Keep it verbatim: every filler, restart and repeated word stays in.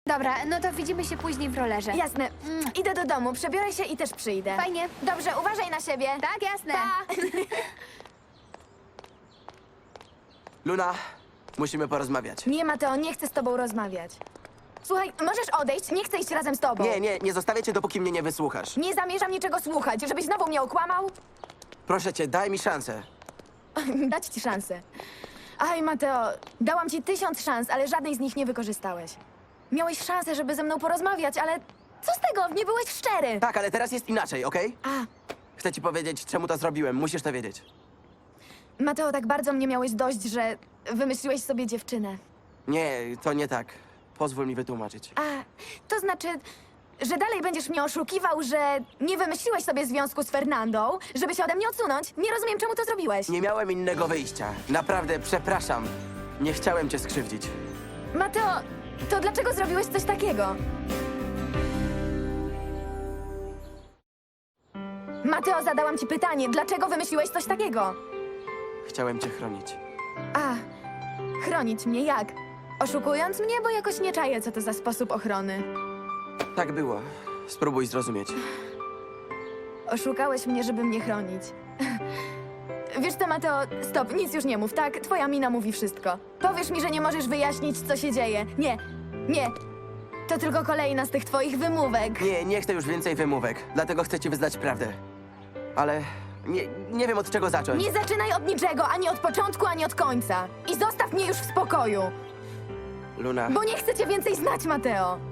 Dobra, no to widzimy się później w rollerze. Jasne. Idę do domu, przebiorę się i też przyjdę. Fajnie. Dobrze, uważaj na siebie. Tak, jasne. Pa! Luna, musimy porozmawiać. Nie, Mateo, nie chcę z tobą rozmawiać. Słuchaj, możesz odejść? Nie chcę iść razem z tobą. Nie, nie, nie zostawię cię, dopóki mnie nie wysłuchasz. Nie zamierzam niczego słuchać, żebyś znowu mnie okłamał. Proszę cię, daj mi szansę. Dać ci szansę. Aj, Mateo, dałam ci tysiąc szans, ale żadnej z nich nie wykorzystałeś. Miałeś szansę, żeby ze mną porozmawiać, ale co z tego? Nie byłeś szczery. Tak, ale teraz jest inaczej, okej? A, Chcę ci powiedzieć, czemu to zrobiłem. Musisz to wiedzieć. Mateo, tak bardzo mnie miałeś dość, że wymyśliłeś sobie dziewczynę. Nie, to nie tak. Pozwól mi wytłumaczyć. A, to znaczy, że dalej będziesz mnie oszukiwał, że nie wymyśliłeś sobie związku z Fernandą, żeby się ode mnie odsunąć? Nie rozumiem, czemu to zrobiłeś. Nie miałem innego wyjścia. Naprawdę, przepraszam. Nie chciałem cię skrzywdzić. Mateo, to dlaczego zrobiłeś coś takiego? Mateo, zadałam ci pytanie, dlaczego wymyśliłeś coś takiego? Chciałem cię chronić. A, chronić mnie jak? Oszukując mnie, bo jakoś nie czaję, co to za sposób ochrony. Tak było. Spróbuj zrozumieć. Oszukałeś mnie, żeby mnie chronić. Wiesz co, Mateo, stop, nic już nie mów, tak? Twoja mina mówi wszystko. Powiesz mi, że nie możesz wyjaśnić, co się dzieje. Nie, nie. To tylko kolejna z tych twoich wymówek. Nie, nie chcę już więcej wymówek. Dlatego chcę ci wyznać prawdę. Ale nie, nie wiem, od czego zacząć. Nie zaczynaj od niczego, ani od początku, ani od końca. I zostaw mnie już w spokoju, Luna, bo nie chcę cię więcej znać, Mateo.